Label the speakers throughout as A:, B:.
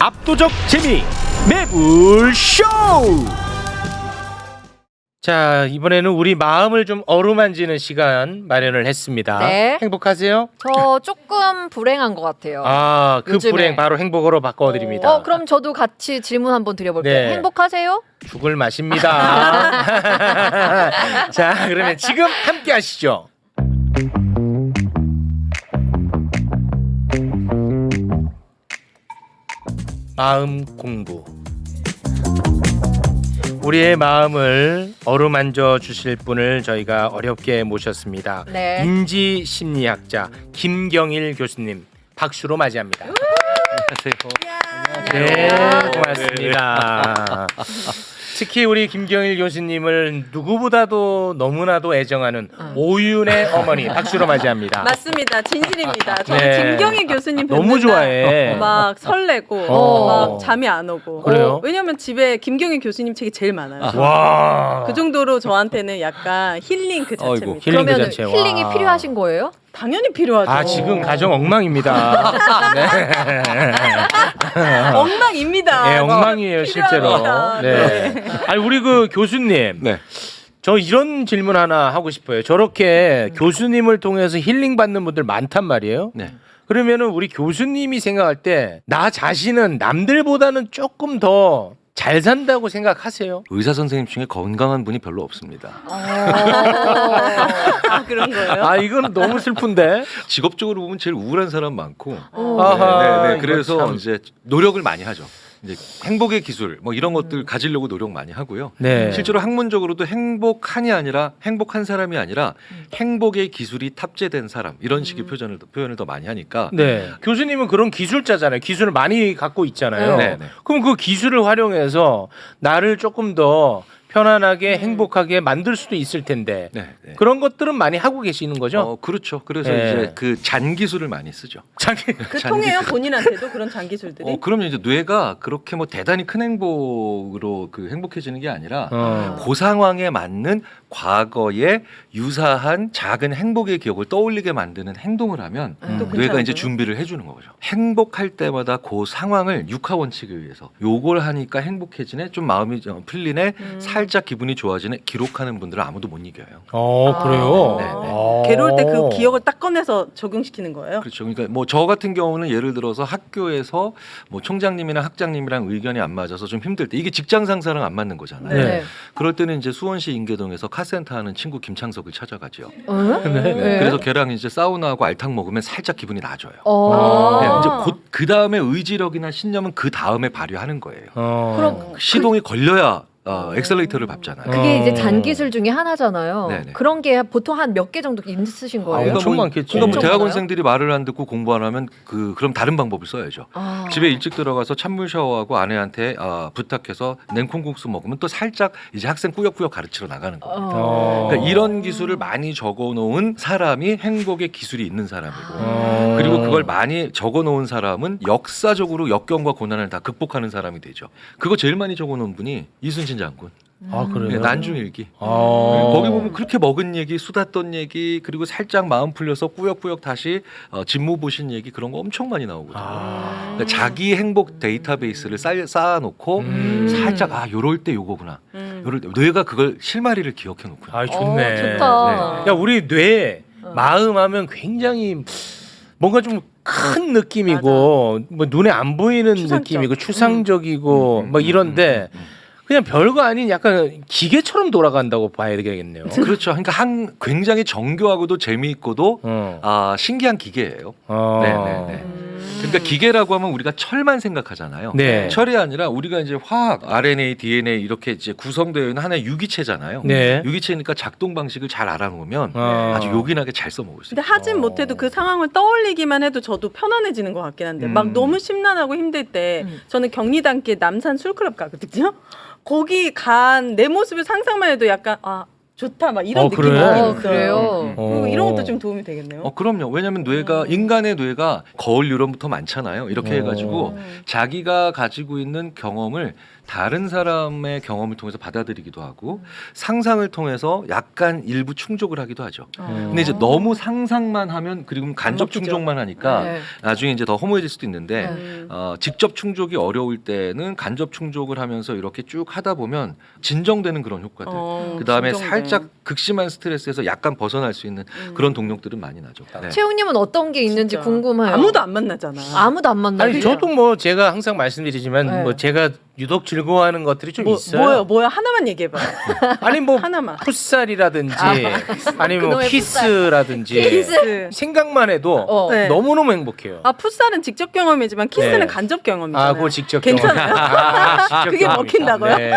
A: 압도적 재미 매불쇼. 자, 이번에는 우리 마음을 좀 어루만지는 시간 마련을 했습니다.
B: 네.
A: 행복하세요?
B: 저 조금 불행한 것 같아요.
A: 아, 그
B: 요즘에.
A: 불행 바로 행복으로 바꿔드립니다.
B: 그럼 저도 같이 질문 한번 드려볼게요.
A: 네.
B: 행복하세요?
A: 죽을 맛입니다. 자, 그러면 지금 함께 하시죠. 마음 공부. 우리의 마음을 어루만져 주실 분을 저희가 어렵게 모셨습니다.
B: 네.
A: 인지 심리학자 김경일 교수님 박수로 맞이합니다.
C: 안녕하세요.
A: 네, 고맙습니다. 특히 우리 김경일 교수님을 누구보다도 너무나도 애정하는 오윤의 어머니 박수로 맞이합니다.
C: 맞습니다. 진실입니다. 저는
A: 네.
C: 김경희 교수님 뵙는
A: 너무 좋아해.
C: 날 막 설레고 막 잠이 안 오고.
A: 그래요?
C: 왜냐면 집에 김경희 교수님 책이 제일 많아요.
A: 와.
C: 그 정도로 저한테는 약간 힐링 그 자체입니다.
A: 아이고, 힐링 그
B: 그러면
A: 자체. 와.
B: 힐링이 필요하신 거예요?
C: 당연히 필요하죠.
A: 아, 지금 가정 엉망입니다. 네.
C: 엉망입니다.
A: 네, 엉망이에요, 실제로.
C: 필요합니다.
A: 네. 아니, 우리 그 교수님.
D: 네.
A: 저 이런 질문 하나 하고 싶어요. 저렇게 교수님을 통해서 힐링 받는 분들 많단 말이에요.
D: 네.
A: 그러면은 우리 교수님이 생각할 때 나 자신은 남들보다는 조금 더 잘 산다고 생각하세요?
D: 의사 선생님 중에 건강한 분이 별로 없습니다.
C: 아, 그런 거예요?
A: 아, 이건 너무 슬픈데.
D: 직업적으로 보면 제일 우울한 사람 많고.
A: 아하,
D: 네,
A: 이거
D: 그래서
A: 참.
D: 이제 노력을 많이 하죠. 이제 행복의 기술 뭐 이런 것들 가지려고 노력 많이 하고요.
A: 네.
D: 실제로 학문적으로도 행복한이 아니라 행복한 사람이 아니라 행복의 기술이 탑재된 사람 이런 식의 표현을 더 많이 하니까.
A: 네. 교수님은 그런 기술자잖아요. 기술을 많이 갖고 있잖아요.
D: 네, 네.
A: 그럼 그 기술을 활용해서 나를 조금 더 편안하게 행복하게 만들 수도 있을 텐데
D: 네, 네.
A: 그런 것들은 많이 하고 계시는 거죠?
D: 그렇죠. 그래서
A: 네.
D: 이제 그 잔 기술을 많이 쓰죠.
A: 자기
C: 그 통해요? 본인한테도 그런 장기술들이?
D: 그럼요. 이제 뇌가 그렇게 뭐 대단히 큰 행복으로 그 행복해지는 게 아니라 그 상황에 맞는 과거에 유사한 작은 행복의 기억을 떠올리게 만드는 행동을 하면
C: 또
D: 뇌가
C: 괜찮은
D: 이제
C: 거예요?
D: 준비를 해주는 거죠. 행복할 때마다 그 상황을 육하 원칙에 의해서 요걸 하니까 행복해지네, 좀 마음이 풀리네, 살짝 기분이 좋아지네 기록하는 분들은 아무도 못 이겨요.
A: 그래요?
D: 네, 네.
C: 괴로울 때 그 기억을 딱 꺼내서 적용시키는 거예요?
D: 그렇죠. 그러니까 뭐 저 같은 경우는 예를 들어서 학교에서 뭐 총장님이나 학장님이랑 의견이 안 맞아서 좀 힘들 때 이게 직장 상사랑 안 맞는 거잖아요.
A: 네.
D: 그럴 때는 이제 수원시 인계동에서 카센터 하는 친구 김창석을 찾아가죠.
A: 네.
D: 그래서 걔랑 이제 사우나하고 알탕 먹으면 살짝 기분이 나아져요.
B: 어.
D: 네, 이제 곧 그 다음에 의지력이나 신념은 그 다음에 발휘하는 거예요.
B: 그럼
D: 시동이 걸려야 엑셀레이터를 밟잖아요.
B: 그게 이제 잔기술 중에 하나잖아요.
D: 네네.
B: 그런 게 보통 한 몇 개 정도 있으신 거예요?
A: 엄청 많겠지.
D: 그러니까 뭐
B: 엄청
D: 대학원생들이 말을 안 듣고 공부 안 하면 그럼 다른 방법을 써야죠.
B: 아.
D: 집에 일찍 들어가서 찬물 샤워하고 아내한테 부탁해서 냉콩국수 먹으면 또 살짝 이제 학생 꾸역꾸역 가르치러 나가는 거예요. 그러니까 이런 기술을 많이 적어놓은 사람이 행복의 기술이 있는 사람이고, 그리고 그걸 많이 적어놓은 사람은 역사적으로 역경과 고난을 다 극복하는 사람이 되죠. 그거 제일 많이 적어놓은 분이 이순신 장군.
A: 아,
D: 네,
A: 그래요?
D: 난중일기.
A: 아.
D: 거기 보면 그렇게 먹은 얘기, 수다 떤 얘기, 그리고 살짝 마음 풀려서 꾸역꾸역 다시 직무 보신 얘기 그런 거 엄청 많이 나오거든요. 그러니까 자기 행복 데이터베이스를 쌓아놓고 살짝 요럴 때 요거구나. 요럴 때 뇌가 그걸 실마리를 기억해 놓고요.
A: 아, 좋네.
B: 좋다.
A: 야, 우리 뇌 마음 하면 굉장히 뭔가 좀 큰 느낌이고 뭐 눈에 안 보이는
C: 추상적.
A: 느낌이고 추상적이고 뭐 이런데 그냥 별거 아닌 약간 기계처럼 돌아간다고 봐야 되겠네요.
D: 그렇죠. 그러니까 굉장히 정교하고도 재미있고도 신기한 기계예요. 네네네. 그러니까 기계라고 하면 우리가 철만 생각하잖아요.
A: 네.
D: 철이 아니라 우리가 이제 화학, RNA, DNA 이렇게 이제 구성되어 있는 하나의 유기체잖아요.
A: 네.
D: 유기체니까 작동 방식을 잘 알아놓으면
A: 어.
D: 아주 요긴하게 잘 써먹을 수
C: 근데
D: 있어요.
C: 하진 못해도 그 상황을 떠올리기만 해도 저도 편안해지는 것 같긴 한데 막 너무 심란하고 힘들 때 저는 경리단길 남산 술클럽 가거든요. 거기 간 내 모습을 상상만 해도 약간 좋다 막 이런 느낌이
A: 그래?
C: 있어요.
B: 그래요?
C: 이런 것도 좀 도움이 되겠네요.
D: 그럼요. 왜냐하면 뇌가 인간의 뇌가 거울 뉴런부터 많잖아요. 이렇게 해가지고 자기가 가지고 있는 경험을 다른 사람의 경험을 통해서 받아들이기도 하고 상상을 통해서 약간 일부 충족을 하기도 하죠. 근데 이제 너무 상상만 하면 그리고 간접
C: 먹히죠.
D: 충족만 하니까
B: 네.
D: 나중에 이제 더 허무해질 수도 있는데
C: 음.
D: 직접 충족이 어려울 때는 간접 충족을 하면서 이렇게 쭉 하다 보면 진정되는 그런 효과들. 그 다음에
C: 진정돼.
D: 살짝 극심한 스트레스에서 약간 벗어날 수 있는 그런 동력들은 많이 나죠. 네.
B: 최웅님은 어떤 게 있는지
C: 진짜.
B: 궁금해요.
C: 아무도 안 만나잖아.
B: 아무도 안 만나요.
A: 아니 저도 뭐 제가 항상 말씀드리지만
B: 네.
A: 뭐 제가 유독 즐거워하는 것들이 좀 있어요.
C: 뭐요? 하나만 얘기해봐.
A: 아니 뭐
C: 하나만.
A: 풋살이라든지 아니면 뭐
B: 그놈의
A: 키스라든지
C: 키스.
A: 생각만 해도
B: 어.
C: 네.
A: 너무너무 행복해요.
C: 아 풋살은 직접 경험이지만 키스는
A: 네.
C: 간접 경험이잖아요.
A: 아, 그거 직접
C: 괜찮아요?
A: 직접
C: 그게
A: 경험이다.
C: 먹힌다고요?
A: 네.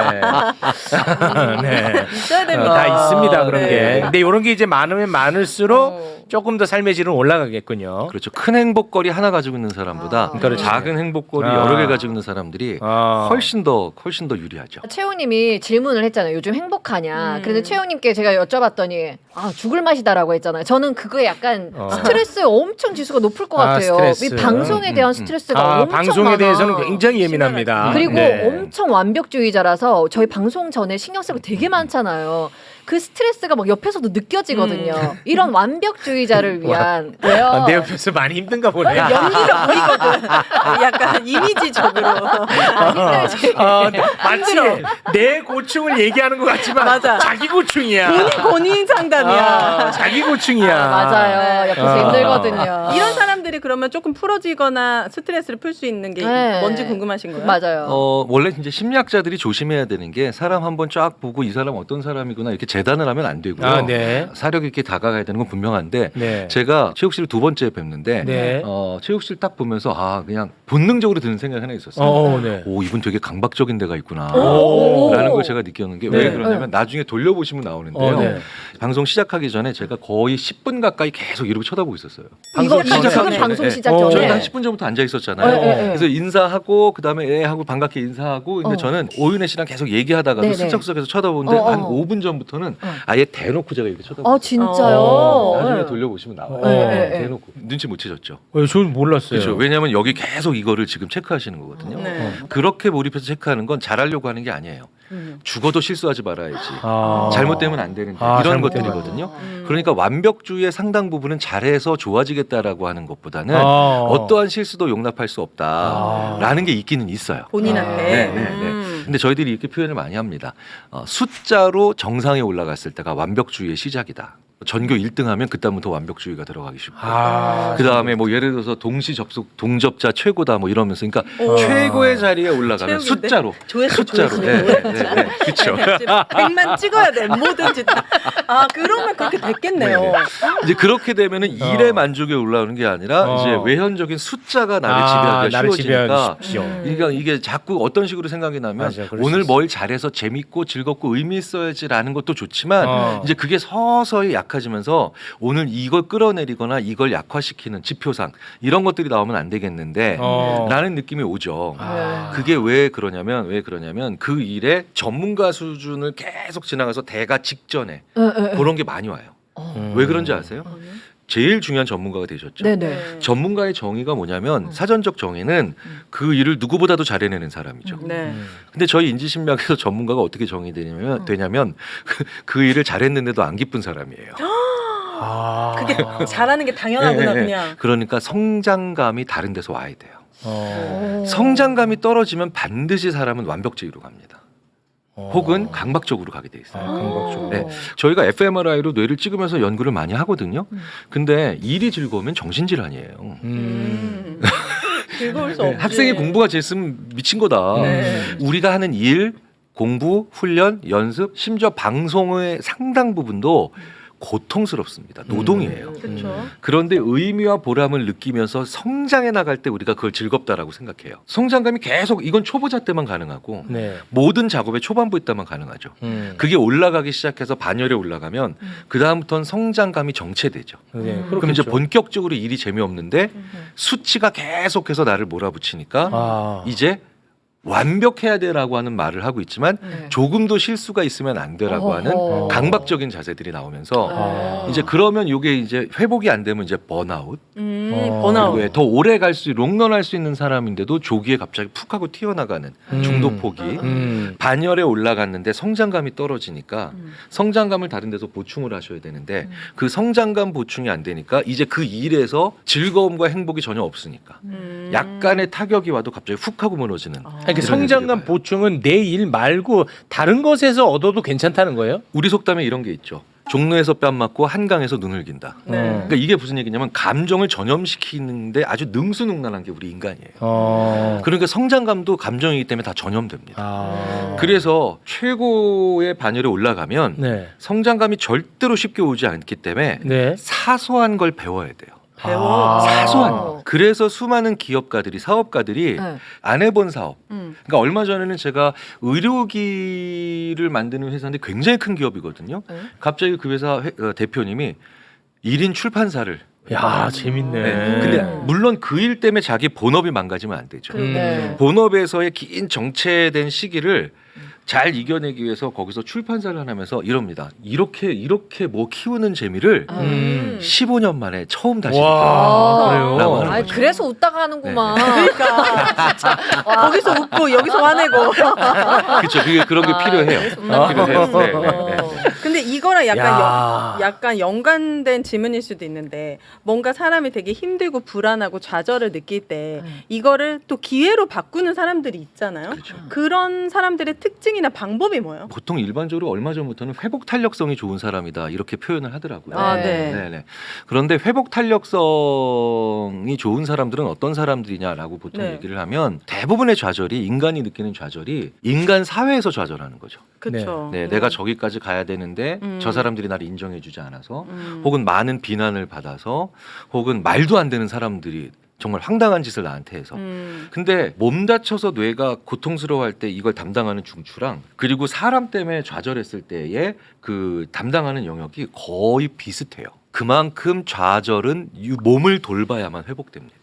A: 네.
C: 있어야 됩니다.
A: 다 있습니다 그런
C: 네.
A: 게. 근데 이런 게 이제 많으면 많을수록
B: 어.
A: 조금 더 삶의 질은 올라가겠군요.
D: 그렇죠. 큰 행복거리 하나 가지고 있는 사람보다
A: 그렇지.
D: 작은 행복거리
A: 아.
D: 여러 개 가지고 있는 사람들이
A: 아.
D: 훨씬 더 유리하죠.
B: 최웅님이 질문을 했잖아요. 요즘 행복하냐.
C: 음.
B: 그래서 최웅님께 제가 여쭤봤더니 죽을 맛이다라고 했잖아요. 저는 그거에 약간 스트레스 엄청 지수가 높을 것 같아요.
A: 스트레스.
B: 이 방송에 대한 스트레스가 엄청
A: 방송에
B: 많아.
A: 대해서는 굉장히 예민합니다.
B: 그리고
A: 네.
B: 엄청 완벽주의자라서 저희 방송 전에 신경 쓰고 되게 많잖아요. 그 스트레스가 막 옆에서도 느껴지거든요. 이런 완벽주의자를 위한 왜요?
A: 아, 내 옆에서 많이 힘든가 보네.
C: 연기가 보이거든. 약간 이미지적으로.
A: 마치 내 고충을 얘기하는 것 같지만
C: 맞아.
A: 자기 고충이야.
C: 본인 상담이야.
A: 자기 고충이야.
B: 맞아요. 옆에서 힘들거든요.
C: 이런 사람들이 그러면 조금 풀어지거나 스트레스를 풀 수 있는 게
B: 네.
C: 뭔지 궁금하신 거예요?
B: 맞아요.
D: 원래 이제 심리학자들이 조심해야 되는 게 사람 한번 쫙 보고 이 사람 어떤 사람이구나 이렇게 재단을 하면 안 되고요.
A: 아, 네.
D: 사력 있게 다가가야 되는 건 분명한데
A: 네.
D: 제가 최욱 씨를 두 번째 뵙는데
A: 네.
D: 최욱 씨를 딱 보면서 그냥 본능적으로 드는 생각이 하나 있었어요.
A: 네.
D: 오, 이분 되게 강박적인 데가 있구나.
A: 오.
D: 라는 걸 제가 느꼈는 게 왜
A: 네.
D: 그러냐면 나중에 돌려보시면 나오는데요.
A: 네.
D: 방송 시작하기 전에 제가 거의 10분 가까이 계속 이렇게 쳐다보고 있었어요.
B: 이거
C: 시작하기
B: 지금
C: 전에.
B: 방송
D: 네.
B: 시작
A: 어,
B: 전에.
D: 저희가 한 10분 전부터 앉아 있었잖아요.
B: 네, 네.
D: 그래서 인사하고 그다음에 하고 반갑게 인사하고 근데
B: 어.
D: 저는 오윤혜 씨랑 계속 얘기하다가도
B: 네, 네.
D: 슬쩍슬쩍해서 쳐다보는데
B: 어, 어.
D: 한 5분 전부터는
B: 어.
D: 아예 대놓고 제가 이렇게 쳐다보고
B: 진짜요?
D: 나중에
B: 네.
D: 돌려보시면 나와요.
B: 네.
D: 대놓고 눈치 못 채셨죠.
A: 저는 몰랐어요.
D: 그렇죠. 왜냐하면 여기 계속 이거를 지금 체크하시는 거거든요.
C: 네.
D: 그렇게 몰입해서 체크하는 건 잘하려고 하는 게 아니에요. 죽어도 실수하지 말아야지. 잘못되면 안 되는데 이런
A: 잘못되면
D: 것들이거든요. 그러니까 완벽주의의 상당 부분은 잘해서 좋아지겠다라고 하는 것보다는
A: 어.
D: 어떠한 실수도 용납할 수 없다라는 게 있기는 있어요.
C: 본인한테.
D: 네, 네, 네. 근데 저희들이 이렇게 표현을 많이 합니다. 숫자로 정상에 올라갔을 때가 완벽주의의 시작이다. 전교 1등하면 그다음부터 완벽주의가 들어가기 쉽고 그다음에 뭐 예를 들어서 동시 접속 동접자 최고다 뭐 이러면서 그러니까 최고의 자리에 올라가면
C: 최욱인데?
D: 숫자로
C: 조회수.
D: 그렇죠.
C: 네. 100만 찍어야 돼. 뭐든지 다. 그러면 그렇게 됐겠네요.
D: 네네. 이제 그렇게 되면은 일의 만족에 올라오는 게 아니라 이제 외현적인 숫자가 나를 지배하기가
A: 나를
D: 쉬워지니까
A: 지배하기 쉽죠.
D: 그러니까 이게 자꾸 어떤 식으로 생각이 나면
A: 맞아, 그럴 수
D: 오늘
A: 있어.
D: 뭘 잘해서 재밌고 즐겁고 의미 있어야지라는 것도 좋지만 이제 그게 서서히 약해지면서 오늘 이걸 끌어내리거나 이걸 약화시키는 지표상 이런 것들이 나오면 안 되겠는데 라는 느낌이 오죠. 그게 왜 그러냐면 그 일의 전문가 수준을 계속 지나가서 대가 직전에 그런 게 많이 와요. 왜 그런지 아세요? 제일 중요한 전문가가 되셨죠.
B: 네네.
D: 전문가의 정의가 뭐냐면 사전적 정의는 그 일을 누구보다도 잘해내는 사람이죠.
C: 네.
D: 근데 저희 인지심리학에서 전문가가 어떻게 정의되냐면 그 일을 잘했는데도 안 기쁜 사람이에요.
C: 그게 잘하는 게 당연하구나
D: 네, 네.
C: 그냥.
D: 그러니까 성장감이 다른 데서 와야 돼요. 성장감이 떨어지면 반드시 사람은 완벽주의로 갑니다. 혹은 강박적으로 가게 돼 있어요.
A: 강박적으로.
D: 네. 저희가 fMRI로 뇌를 찍으면서 연구를 많이 하거든요. 근데 일이 즐거우면 정신질환이에요.
C: 즐거울 수 없지.
D: 학생이 공부가 재밌으면 미친 거다.
C: 네.
D: 우리가 하는 일, 공부, 훈련, 연습, 심지어 방송의 상당 부분도 고통스럽습니다. 노동이에요.
C: 그렇죠.
D: 그런데 의미와 보람을 느끼면서 성장해 나갈 때 우리가 그걸 즐겁다라고 생각해요. 성장감이 계속 이건 초보자 때만 가능하고
A: 네.
D: 모든 작업의 초반부에 때만 가능하죠. 그게 올라가기 시작해서 반열에 올라가면 그 다음부터는 성장감이 정체되죠.
A: 네,
D: 그럼 이제
A: 그렇겠죠.
D: 본격적으로 일이 재미없는데 수치가 계속해서 나를 몰아붙이니까 이제 완벽해야 돼라고 하는 말을 하고 있지만
B: 네.
D: 조금도 실수가 있으면 안 돼라고 하는
B: 어허.
D: 강박적인 자세들이 나오면서
B: 아.
D: 이제 그러면 이게 이제 회복이 안 되면 이제 번아웃
C: 번아웃.
D: 그리고 더 오래 갈 수 롱런할 수 있는 사람인데도 조기에 갑자기 푹 하고 튀어나가는 중도 폭이 반열에 올라갔는데 성장감이 떨어지니까 성장감을 다른 데서 보충을 하셔야 되는데 그 성장감 보충이 안 되니까 이제 그 일에서 즐거움과 행복이 전혀 없으니까 약간의 타격이 와도 갑자기 훅 하고 무너지는
A: 아니, 그
D: 이런
A: 성장감
D: 애들이 봐요.
A: 보충은 내 일 말고 다른 것에서 얻어도 괜찮다는 거예요?
D: 우리 속담에 이런 게 있죠. 종로에서 뺨 맞고 한강에서 눈을 긴다.
C: 네.
D: 그러니까 이게 무슨 얘기냐면 감정을 전염시키는데 아주 능수능란한 게 우리 인간이에요. 그러니까 성장감도 감정이기 때문에 다 전염됩니다. 그래서 최고의 반열에 올라가면
A: 네.
D: 성장감이 절대로 쉽게 오지 않기 때문에
A: 네.
D: 사소한 걸 배워야 돼요.
C: 배워.
D: 사소한
B: 아.
D: 거. 그래서 수많은 기업가들이 사업가들이
B: 네.
D: 안 해본 사업.
C: 음.
D: 그러니까 얼마 전에는 제가 의료기를 만드는 회사인데 굉장히 큰 기업이거든요.
B: 네.
D: 갑자기 그 회사 대표님이 1인 출판사를
A: 야, 재밌네.
D: 네. 근데 물론 그 일 때문에 자기 본업이 망가지면 안 되죠.
B: 네.
D: 본업에서의 긴 정체된 시기를 잘 이겨내기 위해서 거기서 출판사를 하면서 이럽니다. 이렇게 뭐 키우는 재미를 15년 만에 처음 다시
A: 와,
B: 아,
A: 그래요?
D: 라고 하는
B: 아니,
D: 거죠.
B: 그래서 웃다가 하는구만.
C: 그러니까 거기서 웃고 여기서 화내고.
D: 그렇죠. 그런 게 필요해요. 필요해요. 네, 네, 네.
C: 근데 이거랑 약간
A: 야.
C: 약간 연관된 질문일 수도 있는데 뭔가 사람이 되게 힘들고 불안하고 좌절을 느낄 때 이거를 또 기회로 바꾸는 사람들이 있잖아요.
D: 그렇죠.
C: 그런 사람들의 특징이나 방법이 뭐예요?
D: 보통 일반적으로 얼마 전부터는 회복 탄력성이 좋은 사람이다 이렇게 표현을 하더라고요.
C: 아,
B: 네.
C: 네.
D: 네네. 그런데 회복 탄력성이 좋은 사람들은 어떤 사람들이냐라고 보통
C: 네.
D: 얘기를 하면 대부분의 좌절이 인간이 느끼는 좌절이 인간 사회에서 좌절하는 거죠.
C: 그렇죠.
D: 네, 내가 저기까지 가야 되는데 저 사람들이 나를 인정해주지 않아서 혹은 많은 비난을 받아서 혹은 말도 안 되는 사람들이 정말 황당한 짓을 나한테 해서 근데 몸 다쳐서 뇌가 고통스러워할 때 이걸 담당하는 중추랑 그리고 사람 때문에 좌절했을 때의 그 담당하는 영역이 거의 비슷해요. 그만큼 좌절은 몸을 돌봐야만 회복됩니다.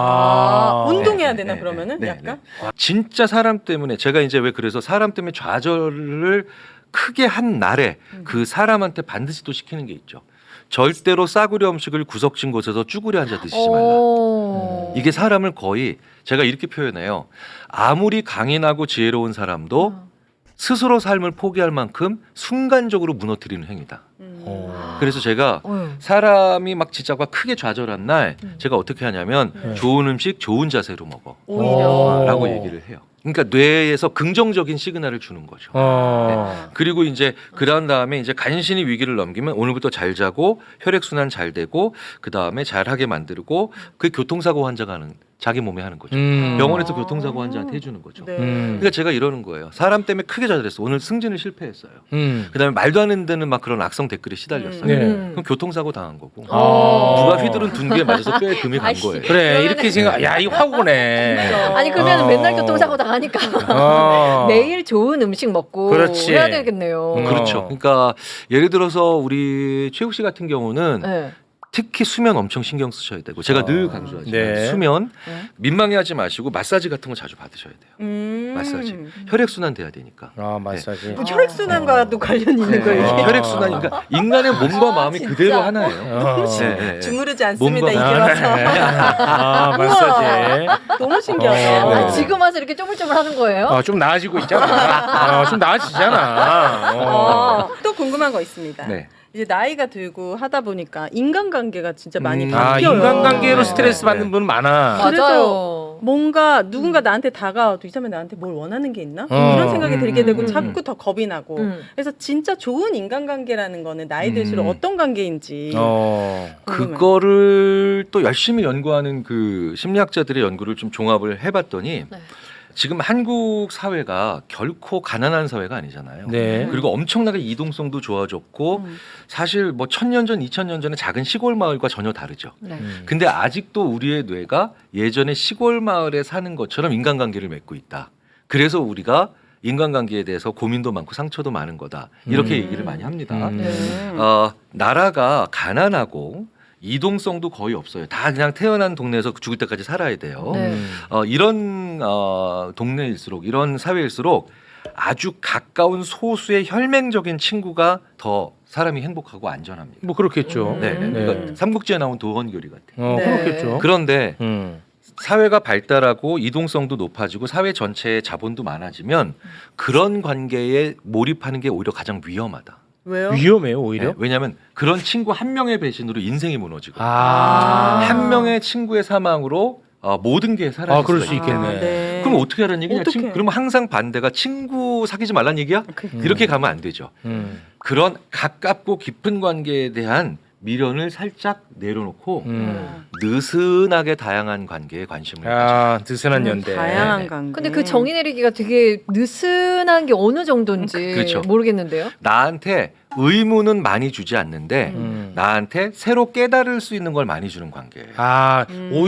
C: 운동해야
D: 네,
C: 되나
D: 네,
C: 그러면은
D: 네,
C: 약간?
D: 네. 진짜 사람 때문에 제가 이제 왜 그래서 사람 때문에 좌절을 크게 한 날에 그 사람한테 반드시 또 시키는 게 있죠. 절대로 싸구려 음식을 구석진 곳에서 쭈그려 앉아 드시지 말라.
B: 오.
D: 이게 사람을 거의 제가 이렇게 표현해요. 아무리 강인하고 지혜로운 사람도 스스로 삶을 포기할 만큼 순간적으로 무너뜨리는 행위다. 그래서 제가
B: 어휴.
D: 사람이 막 진짜 크게 좌절한 날 제가 어떻게 하냐면 좋은 음식 좋은 자세로 먹어
C: 오히려.
D: 라고 얘기를 해요. 그러니까 뇌에서 긍정적인 시그널을 주는 거죠. 그리고 이제 그런 다음에 이제 간신히 위기를 넘기면 오늘부터 잘 자고 혈액순환 잘 되고 그 다음에 잘하게 만들고 그 교통사고 환자가 하는 자기 몸에 하는 거죠. 병원에서 교통사고 환자한테 해주는 거죠.
C: 네.
D: 그러니까 제가 이러는 거예요. 사람 때문에 크게 좌절했어. 오늘 승진을 실패했어요. 그다음에 말도 안 되는 데는 막 그런 악성 댓글에 시달렸어요.
A: 네.
D: 그럼 교통사고 당한 거고
A: 아.
D: 누가 휘두른 둔기에 맞아서 뼈에 금이 간
B: 아이씨.
D: 거예요.
A: 그래, 이렇게 생각. 야, 이거 확 오네.
B: 아니 그러면
A: 어.
B: 맨날 교통사고 당하니까
A: 어.
B: 매일 좋은 음식 먹고
A: 그렇지.
B: 해야 되겠네요.
D: 그렇죠. 그러니까 예를 들어서 우리 최욱 씨 같은 경우는
B: 네.
D: 특히 수면 엄청 신경 쓰셔야 되고 제가 늘 강조하지만
A: 네.
D: 수면
B: 네.
D: 민망해하지 마시고 마사지 같은 거 자주 받으셔야 돼요. 마사지 혈액순환 돼야 되니까.
A: 아, 마사지.
C: 뭐 혈액순환과도 관련이 있는 거예요. 이게?
D: 혈액순환 그러니까 인간의 몸과 마음이
B: 진짜.
D: 그대로 하나예요.
A: 어.
D: 네, 네.
C: 주무르지 않습니다.
D: 몸과-
C: 이게 와서.
A: 아, 마사지.
C: 너무 신기하다.
A: 어.
B: 아, 지금 와서 이렇게 쪼물쪼물 하는 거예요?
A: 좀 나아지고 있잖아. 좀 나아지잖아.
C: 또 궁금한 거 있습니다.
D: 네.
C: 이제 나이가 들고 하다 보니까 인간관계가 진짜 많이
A: 아,
C: 바뀌어요.
A: 인간관계로
D: 네.
A: 스트레스 받는 분 많아.
B: 맞아요.
C: 뭔가 누군가 나한테 다가와도 이 사람이 나한테 뭘 원하는 게 있나? 이런 생각이 들게 되고 자꾸 더 겁이 나고. 그래서 진짜 좋은 인간관계라는 거는 나이 들수록 어떤 관계인지. 궁금해요.
D: 그거를 또 열심히 연구하는 그 심리학자들의 연구를 좀 종합을 해봤더니
B: 네.
D: 지금 한국 사회가 결코 가난한 사회가 아니잖아요.
A: 네.
D: 그리고 엄청나게 이동성도 좋아졌고 사실 뭐 1000년 전, 2000년 전에 작은 시골 마을과 전혀 다르죠.
B: 네.
D: 근데 아직도 우리의 뇌가 예전에 시골 마을에 사는 것처럼 인간관계를 맺고 있다. 그래서 우리가 인간관계에 대해서 고민도 많고 상처도 많은 거다. 이렇게 얘기를 많이 합니다.
B: 네.
D: 나라가 가난하고 이동성도 거의 없어요. 다 그냥 태어난 동네에서 죽을 때까지 살아야 돼요.
B: 네.
D: 이런 동네일수록 이런 사회일수록 아주 가까운 소수의 혈맹적인 친구가 더 사람이 행복하고 안전합니다.
A: 뭐 그렇겠죠.
D: 네, 네.
A: 네.
D: 그러니까 삼국지에 나온 도원교리 같아요.
C: 네.
A: 그렇겠죠.
D: 그런데 사회가 발달하고 이동성도 높아지고 사회 전체의 자본도 많아지면 그런 관계에 몰입하는 게 오히려 가장 위험하다.
C: 왜요?
A: 위험해요 오히려.
D: 네, 왜냐하면 그런 친구 한 명의 배신으로 인생이 무너지고
A: 아.
D: 한 명의 친구의 사망으로 모든 게 사라질
A: 아, 그럴
D: 수가
A: 수
D: 있겠네.
A: 있겠네.
C: 네.
D: 그럼 어떻게 하라는 얘기냐?
C: 어떡해.
D: 그러면 항상 반대가 친구 사귀지 말란 얘기야? 이렇게 가면 안 되죠. 그런 가깝고 깊은 관계에 대한 미련을 살짝 내려놓고 느슨하게 다양한 관계에 관심을 가져.
A: 아, 느슨한 연대.
C: 다양한
D: 네.
C: 관계.
B: 근데 그 정의 내리기가 되게 느슨한 게 어느 정도인지
D: 그렇죠.
B: 모르겠는데요.
D: 나한테 의무는 많이 주지 않는데 나한테 새로 깨달을 수 있는 걸 많이 주는 관계예요.
A: 아,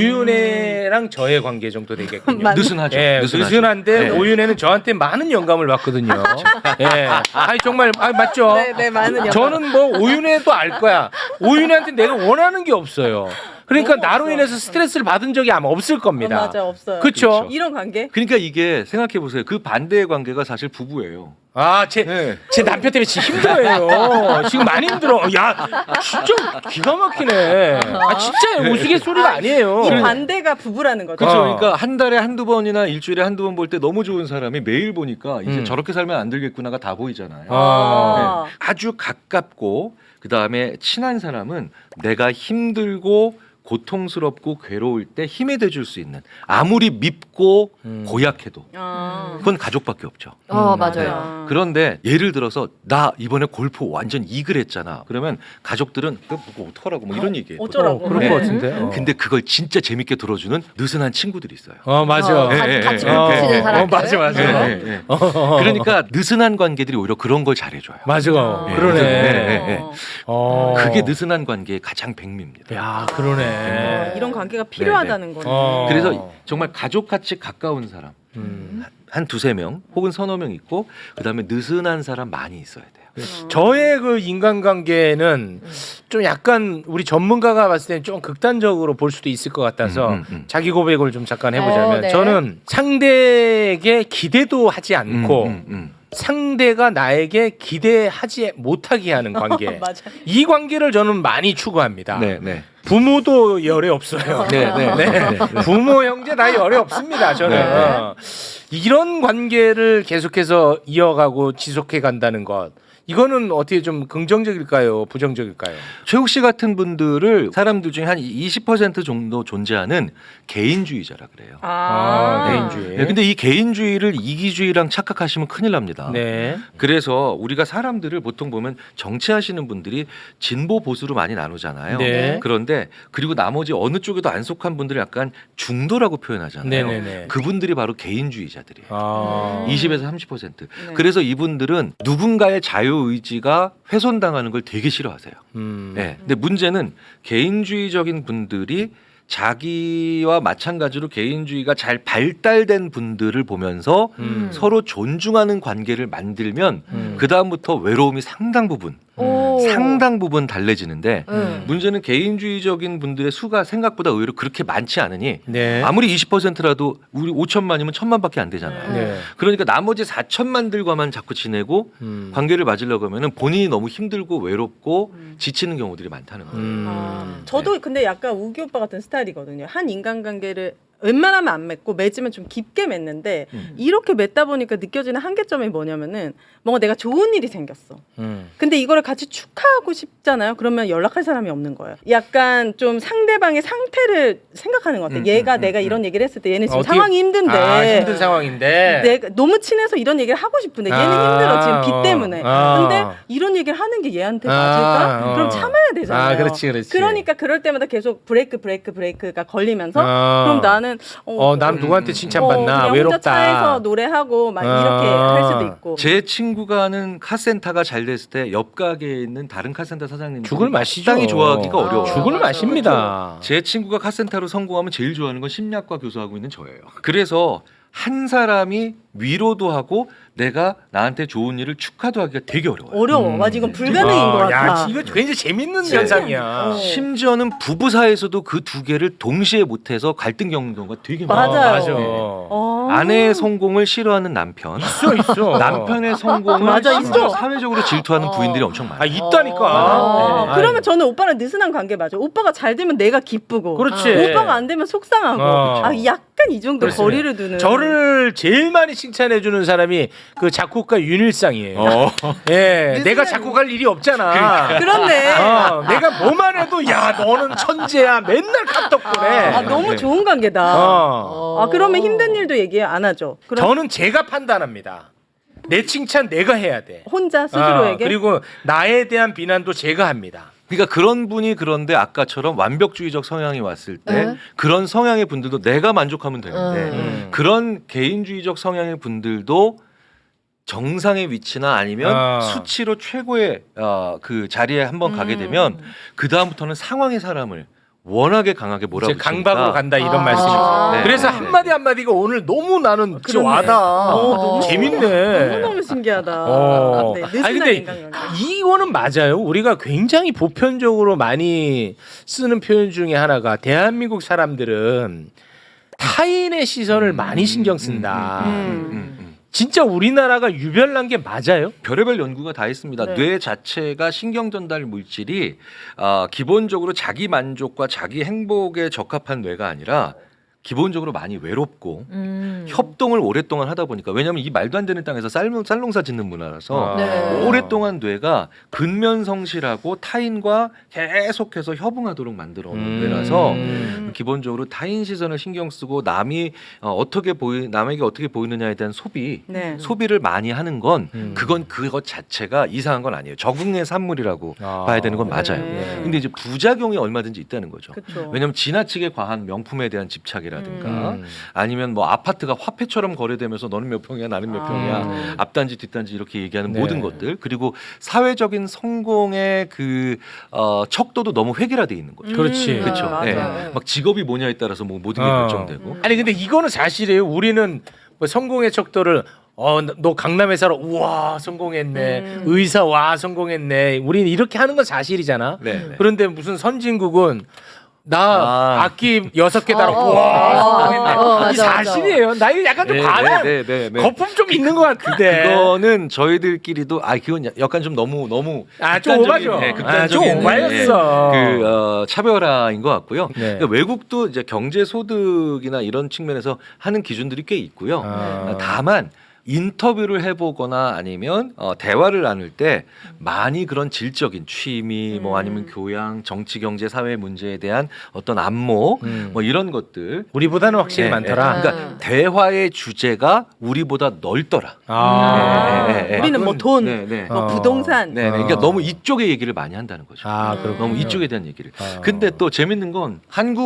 A: 오윤혜랑 저의 관계 정도 되겠군요.
C: 맞-
D: 느슨하죠.
A: 예,
D: 느슨하죠.
A: 느슨한데
D: 네.
A: 오윤혜는 저한테 많은 영감을 받거든요. 예, 아니 정말 맞죠.
C: 네, 많은
A: 저는 뭐 오윤혜도 알 거야. 오윤혜한테 내가 원하는 게 없어요. 그러니까
C: 너무
A: 나로
C: 없어.
A: 인해서 스트레스를 받은 적이 아마 없을 겁니다.
C: 맞아, 없어요.
A: 그렇죠.
D: 그렇죠.
C: 이런 관계?
D: 그러니까 이게 생각해 보세요. 그 반대의 관계가 사실 부부예요.
A: 아, 제 남편 때문에 지금 힘들어요. 지금 많이 힘들어. 야, 진짜 기가 막히네. 아, 진짜 우스갯소리가 아니에요.
C: 이 반대가 부부라는 거죠.
D: 그렇죠.
A: 어.
D: 그러니까 한 달에 한두 번이나 일주일에 한두 번 볼 때 너무 좋은 사람이 매일 보니까 이제 저렇게 살면 안 되겠구나가 다 보이잖아요.
A: 아.
D: 네. 아주 가깝고 그다음에 친한 사람은 내가 힘들고 고통스럽고 괴로울 때 힘이 돼줄 수 있는 아무리 밉고 고약해도
C: 아.
D: 그건 가족밖에 없죠.
B: 맞아요.
D: 그런데 예를 들어서 나 이번에 골프 완전 이글 했잖아. 그러면 가족들은 그거 어떡하라고 뭐 이런 얘기해요.
C: 어쩌라고.
A: 그럴
D: 네.
A: 것 같은데.
D: 근데 그걸 진짜 재밌게 들어주는 느슨한 친구들이 있어요.
A: 맞아.
B: 같이
D: 예,
B: 뭉치는
D: 예, 예.
B: 사람들.
A: 맞아, 맞아.
D: 네, 네, 네. 그러니까 느슨한 관계들이 오히려 그런 걸 잘해줘요.
A: 맞아.
D: 예,
A: 그러네.
D: 네.
A: 어.
D: 그게 느슨한 관계의 가장 백미입니다.
A: 야, 그러네.
C: 이런 관계가 필요하다는 거네.
D: 그래서 정말 가족같이 가까운 사람 한 두세 명 혹은 서너 명 있고 그다음에 느슨한 사람 많이 있어야 돼요.
A: 저의 그 인간관계는 좀 약간 우리 전문가가 봤을 때는 좀 극단적으로 볼 수도 있을 것 같아서 자기 고백을 좀 잠깐 해보자면
B: 네.
A: 저는 상대에게 기대도 하지 않고 상대가 나에게 기대하지 못하게 하는 관계.
C: 맞아.
A: 이 관계를 저는 많이 추구합니다.
D: 네, 네.
A: 부모도 열애 없어요.
D: 네, 네, 네, 네.
A: 부모 형제 다 열애 없습니다. 저는
D: 네.
A: 이런 관계를 계속해서 이어가고 지속해 간다는 것. 이거는 어떻게 좀 긍정적일까요? 부정적일까요?
D: 최욱 씨 같은 분들을 사람들 중에 한 20% 정도 존재하는 개인주의자라 그래요.
A: 개인주의.
D: 네, 근데 이 개인주의를 이기주의랑 착각하시면 큰일 납니다.
A: 네.
D: 그래서 우리가 사람들을 보통 보면 정치하시는 분들이 진보 보수로 많이 나누잖아요.
A: 네.
D: 그런데 그리고 나머지 어느 쪽에도 안 속한 분들을 약간 중도라고 표현하잖아요.
A: 네네네.
D: 그분들이 바로 개인주의자들이에요.
A: 아.
D: 20에서 30%. 그래서 이분들은 누군가의 자유의지가 훼손당하는 걸 되게 싫어하세요. 네. 근데 문제는 개인주의적인 분들이 자기와 마찬가지로 개인주의가 잘 발달된 분들을 보면서 서로 존중하는 관계를 만들면 그 다음부터 외로움이 상당 부분 달래지는데 문제는 개인주의적인 분들의 수가 생각보다 의외로 그렇게 많지 않으니
A: 네.
D: 아무리 20%라도 우리 5천만이면 1,000만밖에 안 되잖아요.
A: 네.
D: 그러니까 나머지 4천만들과만 자꾸 지내고 관계를 맞으려고 하면 본인이 너무 힘들고 외롭고 지치는 경우들이 많다는 거예요.
C: 저도 근데 약간 우기 오빠 같은 스타일이거든요. 한 인간관계를 웬만하면 안 맺고 맺으면 좀 깊게 맺는데 이렇게 맺다 보니까 느껴지는 한계점이 뭐냐면은 뭔가 내가 좋은 일이 생겼어. 근데 이거를 같이 축하하고 싶잖아요. 그러면 연락할 사람이 없는 거예요. 약간 좀 상대방의 상태를 생각하는 것 같아요. 얘가 내가 이런 얘기를 했을 때 얘는 지금
A: 어떻게-
C: 상황이 힘든데
A: 힘든 상황인데.
C: 내가 너무 친해서 이런 얘기를 하고 싶은데 얘는 힘들어 지금 빚 때문에. 근데 이런 얘기를 하는 게 얘한테 맞을까? 그럼 참아야 되잖아요.
A: 그렇지, 그렇지.
C: 그러니까 그럴 때마다 계속 브레이크가 걸리면서 그럼 나는
A: 남 누구한테 칭찬받나
C: 그냥
A: 외롭다.
C: 혼자 차에서 노래하고 막 이렇게 할 수도 있고.
D: 제 친구가 하는 카센터가 잘 됐을 때 옆 가게에 있는 다른 카센터 사장님
A: 죽을 맛이죠.
D: 땅이 좋아하기가 어려워요.
A: 죽을
B: 맞아.
A: 맛입니다.
D: 제 친구가 카센터로 성공하면 제일 좋아하는 건 심리학과 교수하고 있는 저예요. 그래서 한 사람이 위로도 하고 내가 나한테 좋은 일을 축하도 하기가 되게 어려워요.
C: 어려워. 맞아 이건 불가능인 것 같아.
A: 야, 이거 굉장히 재밌는 현상이야.
D: 심지어는 부부 사이에서도 그 두 개를 동시에 못해서 갈등 겪는 경우가 되게 많아요.
C: 맞아요.
A: 맞아.
D: 아내의 성공을 싫어하는 남편,
A: 있어.
D: 남편의 성공을
C: 맞아,
D: 심지어
C: 있어.
D: 사회적으로 질투하는 부인들이 엄청 많아요.
A: 아, 있다니까. 네.
C: 그러면 저는 오빠랑 느슨한 관계 맞아. 오빠가 잘 되면 내가 기쁘고,
A: 그렇지.
C: 오빠가 안 되면 속상하고. 약간 이 정도
A: 그렇습니다.
C: 거리를 두는.
A: 저를 제일 많이 칭찬해 주는 사람이 그 작곡가 윤일상이에요. 예, 내가 작곡할 일이 없잖아.
C: 그렇네.
A: 내가 뭐만 해도 야 너는 천재야 맨날 카톡 보내.
C: 너무 좋은 관계다. 그러면 힘든 일도 얘기 안 하죠. 그럼
A: 저는 제가 판단합니다. 내 칭찬 내가 해야 돼.
C: 혼자 스스로에게.
A: 그리고 나에 대한 비난도 제가 합니다.
D: 그러니까 그런 분이 그런데 아까처럼 완벽주의적 성향이 왔을 때
B: 네.
D: 그런 성향의 분들도 내가 만족하면 되는데 그런 개인주의적 성향의 분들도 정상의 위치나 아니면 수치로 최고의 그 자리에 한번 가게 되면 그 다음부터는 상황의 사람을 워낙에 강하게
A: 이제
D: 몰아붙이니까
A: 강박으로 간다 이런
B: 아.
A: 말씀이죠.
D: 네.
A: 그래서
D: 네.
A: 한마디 한마디가 오늘 너무 나는 진짜
C: 그러네.
A: 와닿아.
C: 너무
A: 재밌네.
C: 너무 신기하다.
A: 어.
C: 네,
A: 아니
C: 느슨한
A: 근데
C: 인간관계.
A: 이거는 맞아요. 우리가 굉장히 보편적으로 많이 쓰는 표현 중에 하나가 대한민국 사람들은 타인의 시선을 많이 신경 쓴다. 진짜 우리나라가 유별난 게 맞아요?
D: 별의별 연구가 다 있습니다.
C: 네.
D: 뇌 자체가 신경 전달 물질이 기본적으로 자기 만족과 자기 행복에 적합한 뇌가 아니라 기본적으로 많이 외롭고 협동을 오랫동안 하다 보니까 왜냐하면 이 말도 안 되는 땅에서 쌀농사 짓는 문화라서
B: 네.
D: 오랫동안 뇌가 근면성실하고 타인과 계속해서 협응하도록 만들어 놓은 뇌라서 기본적으로 타인 시선을 신경 쓰고 남이 남에게 어떻게 보이느냐에 대한
C: 네.
D: 소비를 많이 하는 건 그건 그것 자체가 이상한 건 아니에요. 적응의 산물이라고 봐야 되는 건 맞아요.
C: 네.
D: 근데 이제 부작용이 얼마든지 있다는 거죠.
C: 그쵸.
D: 왜냐하면 지나치게 과한 명품에 대한 집착이라든가 아니면 뭐 아파트가 화폐처럼 거래되면서 너는 몇 평이야 나는 몇 평이야 앞단지 뒷단지 이렇게 얘기하는
A: 네.
D: 모든 것들 그리고 사회적인 성공의 그 척도도 너무 획일화돼 있는 거죠.
A: 그렇지.
D: 그렇죠.
C: 맞아요.
D: 네. 막 직업이 뭐냐에 따라서 뭐 모든 게 결정되고.
A: 아니 근데 이거는 사실이에요. 우리는 뭐 성공의 척도를 너 강남에 살아 우와 성공했네. 의사 와 성공했네. 우리는 이렇게 하는 건 사실이잖아.
D: 네.
A: 그런데 무슨 선진국은 나 악기 6개 달았고
B: 어,
A: 와 성공했네.
B: 맞아,
A: 이 사실이에요. 나 이거 약간 좀 과한
D: 네.
A: 거품 좀 있는 것 같은데.
D: 그거는 저희들끼리도 그건 약간 좀 너무
A: 좀 오바죠.
D: 극단적인
A: 좀 오바였어.
D: 그 차별화인 것 같고요.
A: 네.
D: 그러니까 외국도 이제 경제 소득이나 이런 측면에서 하는 기준들이 꽤 있고요. 다만 인터뷰를 해보거나 아니면 대화를 나눌 때 많이 그런 질적인 취미 뭐 아니면 교양, 정치, 경제, 사회 문제에 대한 어떤 안목 뭐 이런 것들
A: 우리보다는 확실히 많더라.
D: 그러니까 대화의 주제가 우리보다 넓더라.
C: 우리는 뭐 돈,
D: 네.
C: 뭐 부동산.
D: 네. 그러니까 너무 이쪽의 얘기를 많이 한다는 거죠.
A: 그렇군요.
D: 너무 이쪽에 대한 얘기를. 근데 또 재밌는 건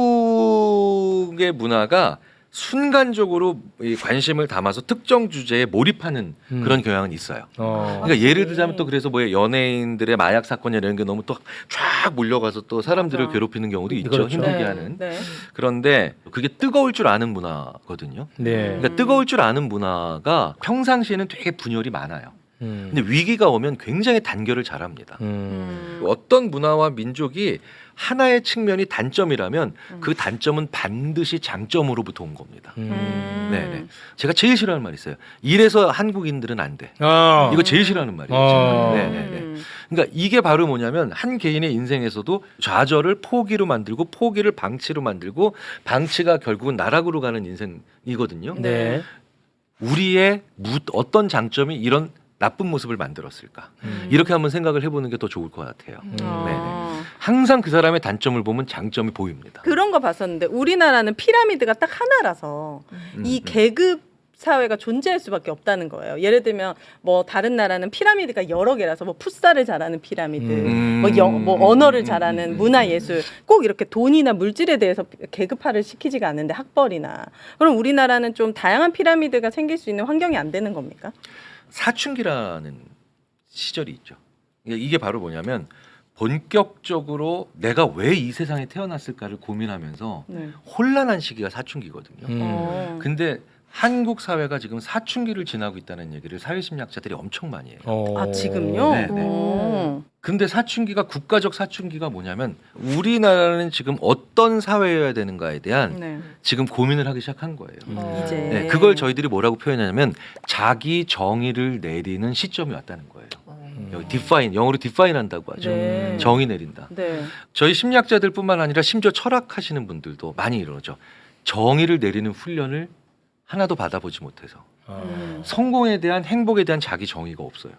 D: 한국의 문화가 순간적으로 이 관심을 담아서 특정 주제에 몰입하는 그런 경향은 있어요. 그러니까 예를 들자면 또 그래서 뭐 연예인들의 마약 사건 이런 게 너무 또 쫙 몰려가서 또 사람들을
C: 맞아.
D: 괴롭히는 경우도 있죠.
A: 그렇죠.
D: 힘들게
C: 네.
D: 하는.
C: 네.
D: 그런데 그게 뜨거울 줄 아는 문화거든요.
A: 네.
D: 그러니까 뜨거울 줄 아는 문화가 평상시에는 되게 분열이 많아요. 근데 위기가 오면 굉장히 단결을 잘합니다. 어떤 문화와 민족이 하나의 측면이 단점이라면 그 단점은 반드시 장점으로부터 온 겁니다. 네네. 제가 제일 싫어하는 말이 있어요. 이래서 한국인들은 안 돼. 이거 제일 싫어하는 말이에요. 네네네. 그러니까 이게 바로 뭐냐면 한 개인의 인생에서도 좌절을 포기로 만들고 포기를 방치로 만들고 방치가 결국은 나락으로 가는 인생이거든요.
A: 네.
D: 우리의 어떤 장점이 이런 나쁜 모습을 만들었을까? 이렇게 한번 생각을 해보는 게 더 좋을 것 같아요. 네네. 항상 그 사람의 단점을 보면 장점이 보입니다.
C: 그런 거 봤었는데 우리나라는 피라미드가 딱 하나라서 이 계급 사회가 존재할 수밖에 없다는 거예요. 예를 들면 뭐 다른 나라는 피라미드가 여러 개라서 뭐 풋살을 잘하는 피라미드, 뭐 언어를 잘하는 문화예술, 꼭 이렇게 돈이나 물질에 대해서 계급화를 시키지가 않는데 학벌이나. 그럼 우리나라는 좀 다양한 피라미드가 생길 수 있는 환경이 안 되는 겁니까?
D: 사춘기라는 시절이 있죠. 이게 바로 뭐냐면 본격적으로 내가 왜 이 세상에 태어났을까를 고민하면서 혼란한 시기가 사춘기거든요. 근데 한국 사회가 지금 사춘기를 지나고 있다는 얘기를 사회심리학자들이 엄청 많이 해요.
C: 아 지금요?
D: 네, 네.
C: 오.
D: 근데 사춘기가 국가적 사춘기가 뭐냐면 우리나라는 지금 어떤 사회여야 되는가에 대한
C: 네.
D: 지금 고민을 하기 시작한 거예요.
C: 이제
D: 네, 그걸 저희들이 뭐라고 표현하냐면 자기 정의를 내리는 시점이 왔다는 거예요. 여기 define, 영어로 define 한다고 하죠.
C: 네.
D: 정의 내린다.
C: 네.
D: 저희 심리학자들뿐만 아니라 심지어 철학하시는 분들도 많이 이러죠. 정의를 내리는 훈련을 하나도 받아보지 못해서 성공에 대한 행복에 대한 자기 정의가 없어요.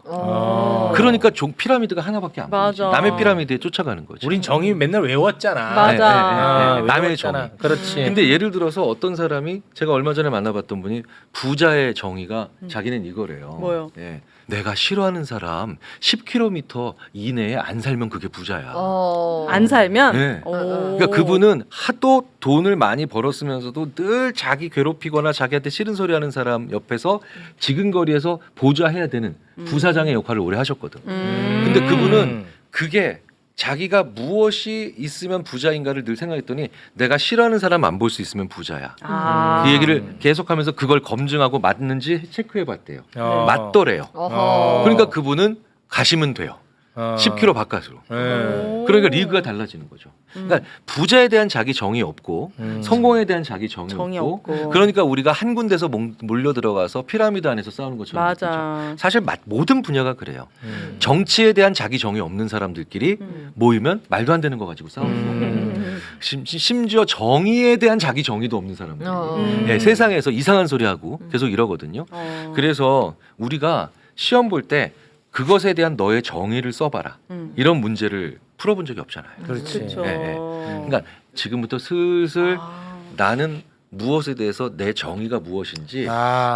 D: 그러니까 피라미드가 하나밖에 안 보이지.
C: 맞아.
D: 남의 피라미드에 쫓아가는 거죠.
A: 우린 정의 맨날 외웠잖아.
C: 맞아.
D: 남의
A: 외웠잖아.
D: 정의.
A: 그렇지.
D: 근데 예를 들어서 어떤 사람이 제가 얼마 전에 만나봤던 분이 부자의 정의가 자기는 이거래요.
C: 뭐요?
D: 예. 내가 싫어하는 사람 10km 이내에 안 살면 그게 부자야.
C: 안 살면.
D: 네.
C: 오.
D: 그러니까 그분은 하도 돈을 많이 벌었으면서도 늘 자기 괴롭히거나 자기한테 싫은 소리 하는 사람 옆에서 지근거리에서 보좌해야 되는 부사장의 역할을 오래 하셨거든. 근데 그분은 그게 자기가 무엇이 있으면 부자인가를 늘 생각했더니 내가 싫어하는 사람 안 볼 수 있으면 부자야.
C: 아.
D: 그 얘기를 계속하면서 그걸 검증하고 맞는지 체크해봤대요.
A: 어.
D: 맞더래요.
B: 어허.
D: 그러니까 그분은 가시면 돼요. 10km 바깥으로.
A: 네.
D: 그러니까 리그가 달라지는 거죠. 그러니까 부자에 대한 자기 정의 없고 성공에 대한 자기 정의 없고 그러니까 우리가 한 군데서 몰려 들어가서 피라미드 안에서 싸우는 것처럼
C: 맞아.
D: 느끼죠. 사실 모든 분야가 그래요. 정치에 대한 자기 정의 없는 사람들끼리 모이면 말도 안 되는 거 가지고 싸우는 거고 심지어 정의에 대한 자기 정의도 없는 사람들 예, 세상에서 이상한 소리 하고 계속 이러거든요. 그래서 우리가 시험 볼 때 그것에 대한 너의 정의를 써봐라. 이런 문제를 풀어본 적이 없잖아요.
A: 그렇지.
C: 그렇죠.
D: 예, 예. 그러니까 지금부터 슬슬 나는 무엇에 대해서 내 정의가 무엇인지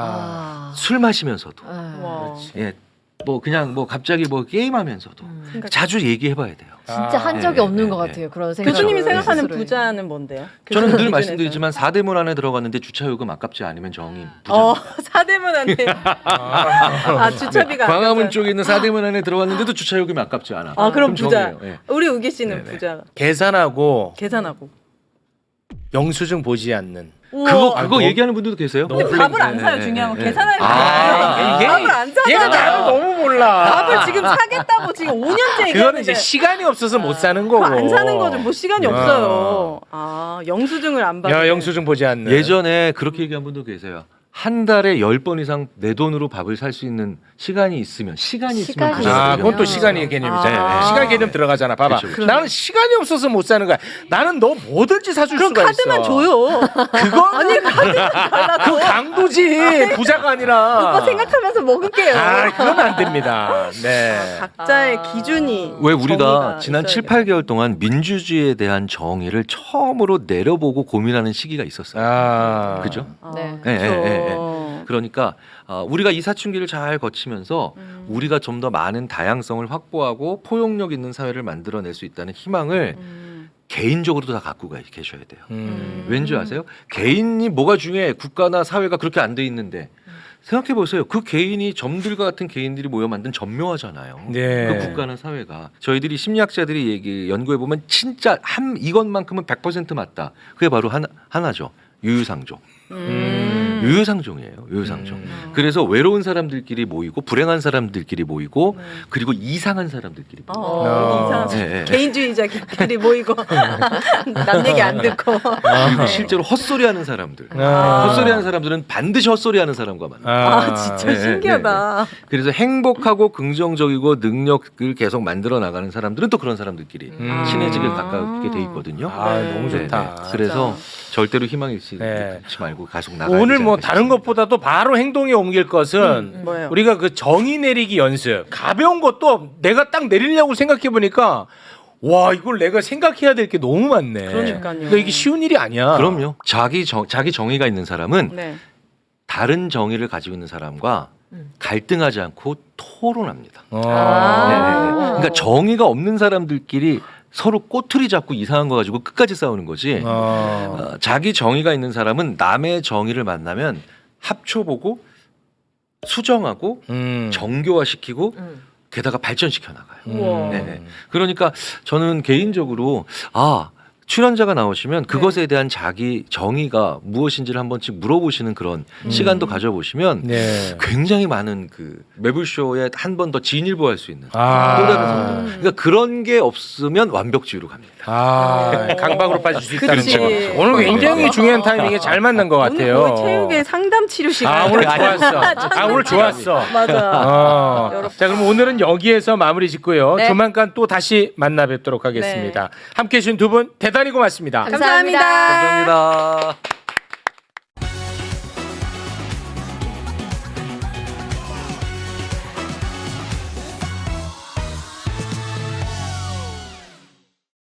D: 술 마시면서도
C: 와.
D: 예, 뭐 그냥 뭐 갑자기 뭐 게임하면서도 자주 얘기해봐야 돼요.
B: 진짜 한 적이 없는 것 같아요. 그런 생각.
C: 교수님이 생각하는 부자는 뭔데요?
D: 저는 늘
C: 기준에서는.
D: 말씀드리지만 사대문 안에 들어갔는데 주차요금 아깝지 않으면 정의 부자.
C: 사대문한테 주차비가
D: 광화문
C: 아까워요.
D: 쪽에 있는 사대문 안에 들어갔는데도 주차요금이 아깝지 않아.
C: 그럼 부자.
D: 정의예요. 예.
C: 우리 우기 씨는
D: 네네.
C: 부자.
A: 계산하고
C: 계산하고.
A: 영수증 보지 않는.
D: 그거
A: 너무-
D: 얘기하는 분들도 계세요?
A: 너무
C: 근데 밥을 안
D: 네,
C: 사요.
D: 네,
C: 중요한 건
D: 네,
C: 계산할 때.
A: 아,
C: 밥을 안 사잖아.
A: 얘가 나를 너무 몰라.
C: 밥을 지금 사겠다고 지금 5년째
A: 그거는
C: 얘기하는데
A: 이제 시간이 없어서 못 사는 거고.
C: 그거 안 사는 거죠. 뭐 시간이
A: 어.
C: 없어요. 영수증을 안 받는.
A: 야, 영수증 보지 않는.
D: 예전에 그렇게 얘기한 분도 계세요. 한 달에 10번 이상 내 돈으로 밥을 살 수 있는 시간이 있으면
B: 시간이
A: 아, 그건 또
B: 있으면.
A: 시간의 개념이잖아.
C: 아.
A: 시간 개념 들어가잖아. 봐봐.
D: 그렇죠, 그렇죠.
A: 나는 시간이 없어서 못 사는 거야. 나는 너 뭐든지 사줄
C: 그럼
A: 수가
C: 카드만
A: 있어.
C: 줘요.
A: 그거는 그 강도지 부자가 아니라.
C: 오빠 생각하면서 먹을게요.
A: 그건 안 됩니다. 네.
C: 각자의 기준이.
D: 왜 우리가
C: 정의가
D: 지난
C: 있어야
D: 7, 8개월 동안 민주주의에 대한 정의를 처음으로 내려보고 고민하는 시기가 있었어요. 그죠?
B: 네.
D: 예, 예, 예,
C: 그렇죠.
D: 그러니까 우리가 이 사춘기를 잘 거치면서 우리가 좀 더 많은 다양성을 확보하고 포용력 있는 사회를 만들어낼 수 있다는 희망을 개인적으로도 다 갖고 계셔야 돼요. 왠지 아세요? 개인이 뭐가 중요해? 국가나 사회가 그렇게 안 돼 있는데 생각해 보세요. 그 개인이 점들과 같은 개인들이 모여 만든 점묘하잖아요.
A: 네.
D: 그 국가나 사회가 저희들이 심리학자들이 연구해 보면 진짜 이것만큼은 100% 맞다. 그게 바로 하나죠. 유유상종. 유유상종이에요. 유유상종. 그래서 외로운 사람들끼리 모이고 불행한 사람들끼리 모이고 그리고 이상한 사람들끼리 모이고.
C: 이상한
D: 예, 예.
C: 개인주의자끼리 모이고 남 얘기 안 듣고.
D: 그리고 실제로 헛소리하는 사람들. 헛소리하는 사람들은 반드시 헛소리하는 사람과 만나.
C: 진짜
D: 네,
C: 신기하다.
D: 그래서 행복하고 긍정적이고 능력을 계속 만들어 나가는 사람들은 또 그런 사람들끼리 친해지게 가깝게 돼 있거든요.
A: 너무 좋다.
D: 그래서 절대로 희망 잃지
A: 네.
D: 말고 계속 나가야
A: 오늘
D: 되지
A: 뭐
D: 않겠습니까?
A: 다른 것보다도 바로 행동에 옮길 것은
C: 뭐예요?
A: 우리가 그 정의 내리기 연습 가벼운 것도 내가 딱 내리려고 생각해 보니까 와 이걸 내가 생각해야 될 게 너무 많네.
C: 그러니까요.
A: 그러니까 이게 쉬운 일이 아니야.
D: 그럼요. 자기 정의가 있는 사람은
C: 네.
D: 다른 정의를 가지고 있는 사람과 갈등하지 않고 토론합니다. 네, 네, 네. 그러니까 정의가 없는 사람들끼리 서로 꼬투리 잡고 이상한 거 가지고 끝까지 싸우는 거지. 자기 정의가 있는 사람은 남의 정의를 만나면 합쳐보고 수정하고 정교화시키고 게다가 발전시켜 나가요.
C: 우와.
D: 네네. 그러니까 저는 개인적으로 출연자가 나오시면 그것에 대한 자기 정의가 무엇인지를 한 번씩 물어보시는 그런 시간도 가져보시면
A: 네.
D: 굉장히 많은 그 매불쇼에 한 번 더 진일보할 수 있는
A: 아.
D: 또 다른 성장. 그러니까 그런 게 없으면 완벽주의로 갑니다.
A: 강박으로 빠질 수 있다는
C: 그치.
A: 거. 오늘 굉장히 중요한 타이밍에 잘 만난 것 같아요.
C: 오늘 거의 체육의 상담 치료 시간.
A: 아 오늘 좋았어. 아 오늘 좋았어.
C: 맞아.
A: 자 그럼 오늘은 여기에서 마무리 짓고요.
B: 네.
A: 조만간 또 다시 만나 뵙도록 하겠습니다. 함께해 주신 두 분 대단히 고맙습니다.
B: 감사합니다.
D: 감사합니다.